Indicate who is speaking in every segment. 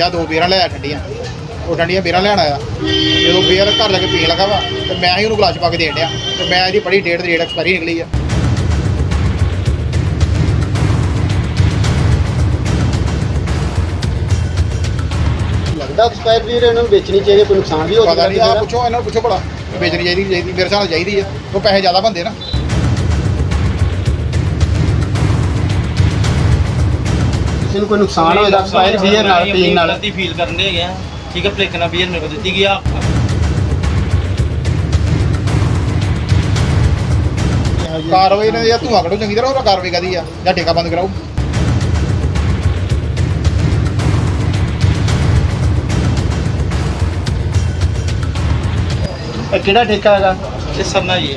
Speaker 1: ਜਾਂ 2 ਬੀਅਰਾਂ ਲੈ ਆ ਠੰਡੀਆਂ। ਉਹ ਠੰਡੀਆਂ ਬੀਅਰਾਂ ਲੈਣ ਆਇਆ, ਜਦੋਂ ਬੀਅਰ ਘਰ ਲੈ ਕੇ ਪੀਣ ਲੱਗਾ ਵਾ ਤੇ ਮੈਂ ਹੀ ਉਹਨੂੰ ਗਲਾਸ 'ਚ ਪਾ ਕੇ ਦੇਣ ਡਿਆ ਤੇ ਮੈਂ ਇਹਦੀ ਬੜੀ ਡੇਟ ਦੀ ਡੇਟ ਐਕਸਪਾਇਰੀ ਨਿਕਲੀ ਆ।
Speaker 2: ਲੱਗਦਾ ਐਕਸਪਾਇਰ ਬੀਅਰ ਇਹਨਾਂ ਨੂੰ ਵੇਚਣੀ ਚਾਹੀਦੀ, ਕੋਈ ਨੁਕਸਾਨ ਵੀ ਹੋ
Speaker 1: ਪਤਾ
Speaker 2: ਸਕਦਾ।
Speaker 1: ਨਹੀਂ, ਆਹ ਪੁੱਛੋ ਇਹਨਾਂ ਨੂੰ, ਪੁੱਛੋ ਭਲਾ ਵੇਚਣੀ ਚਾਹੀਦੀ ਮੇਰੇ ਹਿਸਾਬ ਨਾਲ ਚਾਹੀਦੀ ਆ, ਉਹ ਪੈਸੇ ਜ਼ਿਆਦਾ ਬਣਦੇ ਨਾ।
Speaker 2: ਕਿਸੇ ਨੂੰ ਕੋਈ ਨੁਕਸਾਨ ਹੋਏਗਾ ਐਕਸਪਾਇਰ ਬੀਅਰ ਨਾਲ ਪੀਣ ਨਾਲ।
Speaker 3: ਗਲਤੀ ਫੀਲ ਕਰਨ ਦੇ ਹੈਗੇ ਆ, ਠੀਕ ਹੈ, ਭਲੇਖਣਾ ਬੀਅਰ ਮੇਰੇ ਕੋਲ ਦਿੱਤੀ ਗਈ ਆ।
Speaker 1: ਕਾਰਵਾਈ ਇਹਨਾਂ ਦੀ ਜਾਂ ਧੂੰਆਂ ਕੱਢੋ ਚੰਗੀ ਤਰ੍ਹਾਂ, ਉਹ ਕਾਰਵਾਈ ਕਾਹਦੀ ਆ, ਜਾਂ ਠੇਕਾ ਬੰਦ ਕਰਾਓ।
Speaker 2: ਇਹ ਕਿਹੜਾ ਠੇਕਾ ਹੈਗਾ?
Speaker 3: ਇਹ ਸਰਨਾ ਜੀ ਹੈ।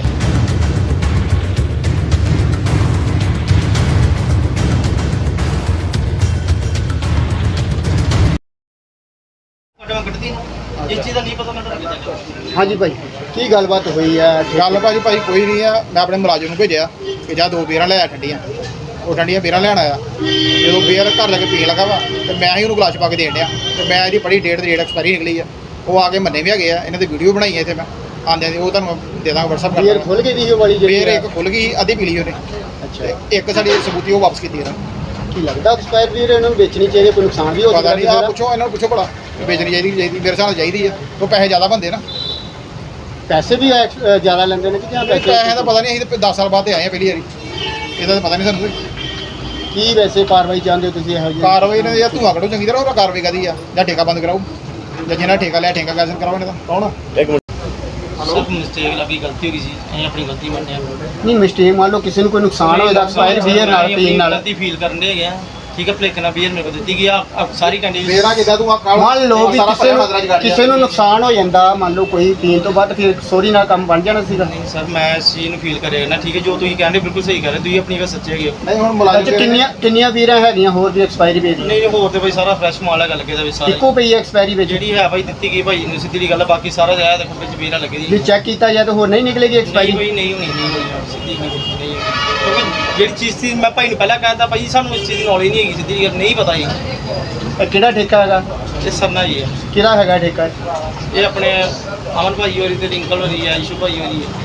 Speaker 3: ਕੱਢਦੀ ਇਸ ਚੀਜ਼ ਦਾ ਨਹੀਂ ਪਤਾ ਮੈਨੂੰ ਕਿੱਦਾਂ ਕਰਨਾ।
Speaker 2: ਹਾਂਜੀ ਭਾਈ, ਕੀ ਗੱਲਬਾਤ ਹੋਈ ਹੈ?
Speaker 1: ਗੱਲ ਭਾਜੀ ਕੋਈ ਨਹੀਂ ਆ, ਮੈਂ ਆਪਣੇ ਮੁਲਾਜ਼ਮ ਨੂੰ ਭੇਜਿਆ ਕਿ ਜਾਂ 2 ਬੀਅਰਾਂ ਲੈ ਆ ਠੰਡੀਆਂ। ਉਹ ਠੰਡੀਆਂ ਬੀਅਰਾਂ ਲੈਣ ਆਇਆ, ਜਦੋਂ ਬੀਅਰ ਘਰ ਲੈ ਕੇ ਪੀਣ ਲੱਗਾ ਵਾ ਤੇ ਮੈਂ ਹੀ ਉਹਨੂੰ ਗਲਾਸ 'ਚ ਪਾ ਕੇ ਦੇਣ ਡਿਆ ਤੇ ਮੈਂ ਇਹਦੀ ਬੜੀ ਡੇਟ ਦੀ ਡੇਟ ਐਕਸਪਾਇਰੀ ਨਿਕਲੀ ਆ। ਉਹ ਆ ਕੇ ਮੰਨੇ ਵੀ ਹੈਗੇ ਆ, ਇਹਨਾਂ ਦੀ ਵੀਡੀਓ ਬਣਾਈ ਹੈ ਇੱਥੇ ਮੈਂ ਆਉਂਦਿਆਂ ਦੀ, ਉਹ ਤੁਹਾਨੂੰ ਦੇ ਦਾਂਗਾ WhatsApp
Speaker 2: ਬੀਅਰ
Speaker 1: ਕਰ।
Speaker 2: ਖੁੱਲ ਗਈ ਦੀ ਉਹ ਵਾਲੀ
Speaker 1: ਬੀਅਰ ਇੱਕ ਖੁੱਲ ਗਈ, ਅੱਧੀ ਪੀ ਲਈ ਉਹਨੇ
Speaker 2: ਅੱਛਾ।
Speaker 1: ਤੇ ਇੱਕ ਸਾਡੀ ਸਬੂਤੀ ਉਹ ਵਾਪਸ ਕੀਤੀ ਇਹਨਾਂ।
Speaker 2: ਕੀ ਲੱਗਦਾ ਐਕਸਪਾਇਰ ਬੀਅਰ ਇਹਨਾਂ ਨੂੰ ਵੇਚਣੀ ਚਾਹੀਦੀ, ਕੋਈ ਨੁਕਸਾਨ ਵੀ ਹੋ ਸਕਦਾ।
Speaker 1: ਪਤਾ ਨਹੀਂ, ਆਹ ਪੁੱਛੋ ਇਹਨਾਂ ਨੂੰ, ਪੁੱਛੋ ਭਲਾ ਵੇਚਣੀ ਚਾਹੀਦੀ ਮੇਰੇ ਹਿਸਾਬ ਨਾਲ ਚਾਹੀਦੀ ਆ, ਉਹ ਪੈਸੇ ਜ਼ਿਆਦਾ ਬਣਦੇ ਨਾ।
Speaker 2: ਪੈਸੇ ਵੀ ਜ਼ਿਆਦਾ ਲੈਂਦੇ ਨੇ ਕਿ ਜਾਂ
Speaker 1: ਪੈਸੇ ਦਾ ਪਤਾ ਨਹੀਂ, ਅਸੀਂ ਤਾਂ 10 ਸਾਲ ਬਾਅਦ ਤੇ ਆਏ ਆ ਪਹਿਲੀ ਵਾਰੀ, ਇਹਦਾ ਤਾਂ ਪਤਾ ਨਹੀਂ ਸਾਨੂੰ।
Speaker 2: ਕੀ ਵੈਸੇ ਕਾਰਵਾਈ ਚਾਹੁੰਦੇ ਹੋ ਤੁਸੀਂ ਇਹੋ ਜਿਹੀ?
Speaker 1: ਕਾਰਵਾਈ ਇਹਨਾਂ ਦੀ ਜਾਂ ਧੂੰਆਂ ਕੱਢੋ ਚੰਗੀ ਤਰ੍ਹਾਂ, ਉਹ ਕਾਰਵਾਈ ਕਾਹਦੀ ਆ, ਜਾਂ ਠੇਕਾ ਬੰਦ ਕਰਾਓ, ਜਾਂ ਜਿਹਨਾਂ ਠੇਕਾ ਲਿਆ ਠੇਕਾ ਕੈਂਸਲ ਕਰਾਓ ਇਹਨਾਂ ਦਾ। ਕੌਣ?
Speaker 3: ਸਭ ਮਿਸਟੇਕ ਲੱਗੀ, ਗਲਤੀ ਹੋ ਗਈ ਸੀ, ਅਸੀਂ ਆਪਣੀ ਗਲਤੀ ਮੰਨਿਆ।
Speaker 2: ਨਹੀਂ ਮਿਸਟੇਕ ਮੰਨ ਲਓ ਕਿਸੇ ਨੂੰ ਕੋਈ ਨੁਕਸਾਨ ਹੋਏਗਾ ਐਕਸਪਾਇਰ ਬੀਅਰ ਨਾਲ ਪੀਣ ਨਾਲ।
Speaker 3: ਗਲਤੀ ਫੀਲ ਕਰਨ ਦੇ ਹੈਗੇ ਆ, ਠੀਕ ਹੈ, ਭਲੇਖਣਾ ਬੀਅਰ ਮੇਰੇ ਕੋਲ ਦਿੱਤੀ ਗਈ ਆ। ਸਾਰੀ ਕੰਡੀਸ਼ਨ
Speaker 1: ਮੇਰਾ ਕਿੱਦਾਂ ਤੂੰ ਆ
Speaker 2: ਮੰਨ ਲਓ ਵੀ ਕਿਸੇ ਨੂੰ ਨੁਕਸਾਨ ਹੋ ਜਾਂਦਾ, ਮੰਨ ਲਓ ਕੋਈ ਪੀਣ ਤੋਂ ਬਾਅਦ, ਫਿਰ ਸੋਰੀ ਨਾਲ ਕੰਮ ਬਣ ਜਾਣਾ ਸੀਗਾ।
Speaker 3: ਨਹੀਂ ਸਰ, ਮੈਂ ਇਸ ਚੀਜ਼ ਨੂੰ ਫੀਲ ਕਰਿਆ ਨਾ, ਠੀਕ ਹੈ, ਜੋ ਤੁਸੀਂ ਕਹਿੰਦੇ ਬਿਲਕੁਲ ਸਹੀ ਕਰ ਰਹੇ, ਤੁਸੀਂ ਆਪਣੀ ਗੱਲ ਸੱਚੇ ਹੈਗੇ ਹੋ।
Speaker 1: ਨਹੀਂ ਹੁਣ
Speaker 2: ਅੱਜ
Speaker 1: ਮੁਲਾਜ਼ਮ
Speaker 2: ਕਿੰਨੀਆਂ ਬੀਅਰਾਂ ਹੈਗੀਆਂ ਹੋਰ ਵੀ ਐਕਸਪਾਇਰੀ ਵੇਚ?
Speaker 3: ਨਹੀਂ ਹੋਰ ਤੇ ਭਾਈ ਸਾਰਾ ਫਰੈਸ਼ ਮਾਲ ਹੈਗਾ ਲੱਗੇ ਦਾ ਵਿੱਚ ਸਾਰਾ।
Speaker 2: ਇੱਕੋ ਪਈ ਐਕਸਪਾਇਰੀ ਵਿੱਚ
Speaker 3: ਜਿਹੜੀ ਹੈ ਭਾਈ ਦਿੱਤੀ ਗਈ ਭਾਈ ਨੂੰ ਸਿੱਧੀ ਗੱਲ ਆ, ਬਾਕੀ ਸਾਰਾ ਜਾਇਆ ਦੇਖੋ ਵਿੱਚ ਬੀਰਾਂ ਲੱਗੇ ਦੀ।
Speaker 2: ਜੇ ਚੈੱਕ ਕੀਤਾ ਜਾਏ ਤਾਂ ਹੋਰ ਨਹੀਂ ਨਿਕਲੇਗੀ
Speaker 3: ਨਹੀਂ
Speaker 2: ਐਕਸਪਾਇਰੀ?
Speaker 3: ਭਾਈ ਨਹੀਂ ਹੋਣੀ ਸਿੱਧੀ ਨਹੀਂ ਹੋਣੀ। ਕਿਉਂਕਿ ਜਿਹੜੀ ਚੀਜ਼ ਸੀ ਮੈਂ ਭਾਈ ਨੂੰ ਪਹਿਲਾਂ ਕਹਿਤਾ, ਭਾਈ ਸਾਨੂੰ ਇਸ ਚੀਜ਼ ਦੀ ਨੌਲੇਜ ਨਹੀਂ ਹੈਗੀ, ਸਿੱਧੀ ਗੱਲ ਨਹੀਂ ਪਤਾ ਜੀ।
Speaker 2: ਇਹ ਕਿਹੜਾ ਠੇਕਾ ਹੈਗਾ?
Speaker 3: ਇਹ ਸਰਨਾ ਜੀ ਹੈ।
Speaker 2: ਕਿਹੜਾ ਹੈਗਾ ਠੇਕਾ?
Speaker 3: ਇਹ ਆਪਣੇ ਅਮਨ ਭਾਈ ਹੋਰੀ ਤੇ ਰਿੰਕਲ ਹੋਰੀ ਹੈ, ਇਸ਼ੂ ਭਾਈ ਹੋਰੀ ਹੈ।